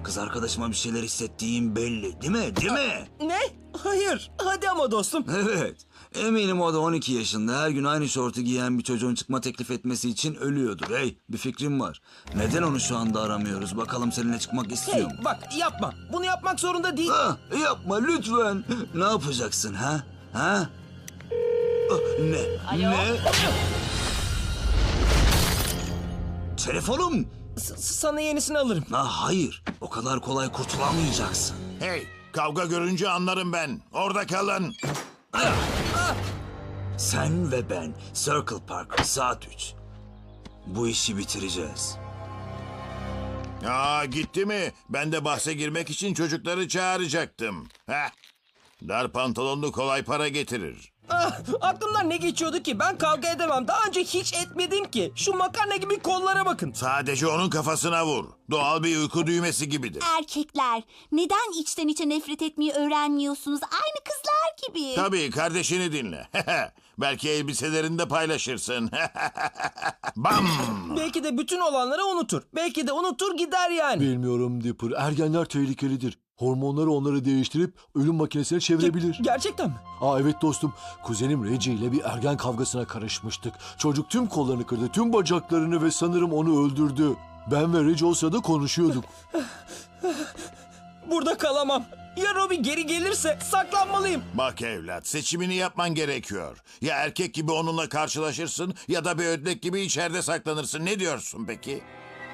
Kız arkadaşıma bir şeyler hissettiğim belli, değil mi? Değil mi? Ne? Hayır. Hadi ama dostum. Evet. Eminim o da 12 yaşında her gün aynı şortu giyen bir çocuğun çıkma teklif etmesi için ölüyordur. Hey, bir fikrim var. Neden onu şu anda aramıyoruz? Bakalım seninle çıkmak istiyor Hey mu? bak yapma. Bunu yapmak zorunda değil. Ah, yapma lütfen. Ne yapacaksın ha? Ha? Ah, ne? Alo? Ne? Telefonum. Sana yenisini alırım. Ah, hayır. O kadar kolay kurtulamayacaksın. Hey, kavga görünce anlarım ben. Orada kalın. Sen ve ben Circle Park saat 3. Bu işi bitireceğiz. Aa, gitti mi? Ben de bahse girmek için çocukları çağıracaktım. Heh. Dar pantolonlu kolay para getirir. Aklımdan ne geçiyordu ki? Ben kavga edemem. Daha önce hiç etmedim ki. Şu makarna gibi kollara bakın. Sadece onun kafasına vur. Doğal bir uyku düğmesi gibidir. Erkekler, neden içten içe nefret etmeyi öğrenmiyorsunuz? Aynı kızlar gibi. Tabii, kardeşini dinle. Belki elbiselerini de paylaşırsın. Bam! Belki de bütün olanları unutur. Belki de unutur gider yani. Bilmiyorum Dipper. Ergenler tehlikelidir. Hormonları onları değiştirip ölüm makinesine çevirebilir. Gerçekten mi? Evet dostum. Kuzenim Reggie ile bir ergen kavgasına karışmıştık. Çocuk tüm kollarını kırdı, tüm bacaklarını ve sanırım onu öldürdü. Ben ve Reggie o sırada konuşuyorduk. Burada kalamam. Ya Robbie geri gelirse saklanmalıyım. Bak evlat, seçimini yapman gerekiyor. Ya erkek gibi onunla karşılaşırsın ya da bir ödlek gibi içeride saklanırsın. Ne diyorsun peki?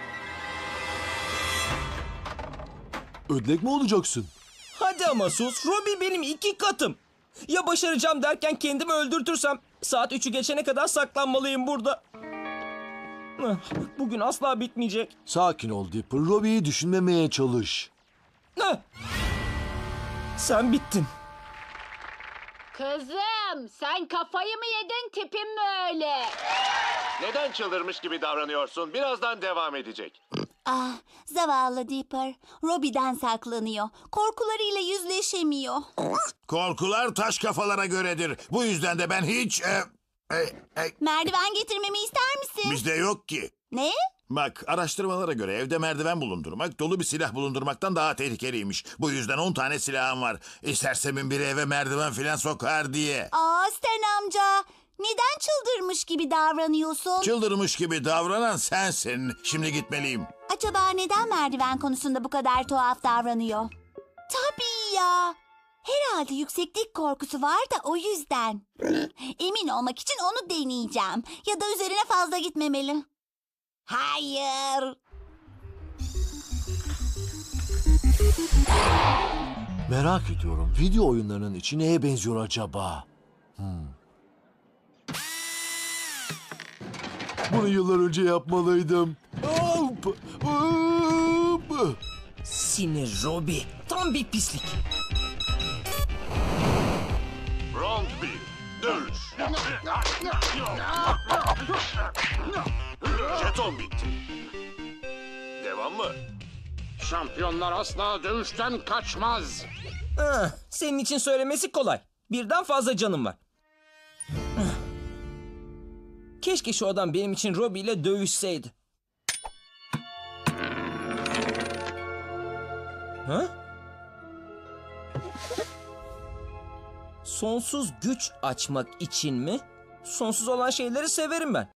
Ödlek mi olacaksın? Hadi ama sus. Robbie benim 2 katım. Ya başaracağım derken kendimi öldürtürsem saat 3'ü geçene kadar saklanmalıyım burada. Bugün asla bitmeyecek. Sakin ol Dipper. Robbie'yi düşünmemeye çalış. Sen bittin. Kızım, sen kafayı mı yedin, tipin mi öyle? Neden çıldırmış gibi davranıyorsun? Birazdan devam edecek. Ah, zavallı Dipper. Robbie'den saklanıyor. Korkularıyla yüzleşemiyor. Korkular taş kafalara göredir. Bu yüzden de ben hiç... Merdiven getirmemi ister misin? bizde yok ki. Ne? Bak, araştırmalara göre evde merdiven bulundurmak dolu bir silah bulundurmaktan daha tehlikeliymiş. Bu yüzden 10 tane silahım var. İstersemin biri eve merdiven filan sokar diye. Aa, Stan amca. Neden çıldırmış gibi davranıyorsun? Çıldırmış gibi davranan sensin. Şimdi gitmeliyim. Acaba neden merdiven konusunda bu kadar tuhaf davranıyor? Tabii ya. Herhalde yükseklik korkusu var da o yüzden. Emin olmak için onu deneyeceğim. Ya da üzerine fazla gitmemeli. Hayır. Merak ediyorum. Video oyunlarının içi neye benziyor acaba? Bunu yıllar önce yapmalıydım. Hop! Hop! Sinir Robbie. Tam bir pislik. Round 1. Dövüş. Jeton bitti. Devam mı? Şampiyonlar asla dövüşten kaçmaz. Senin için söylemesi kolay. Birden fazla canım var. Keşke şu adam benim için Robbie ile dövüşseydi. Ha? Sonsuz güç açmak için mi? Sonsuz olan şeyleri severim ben.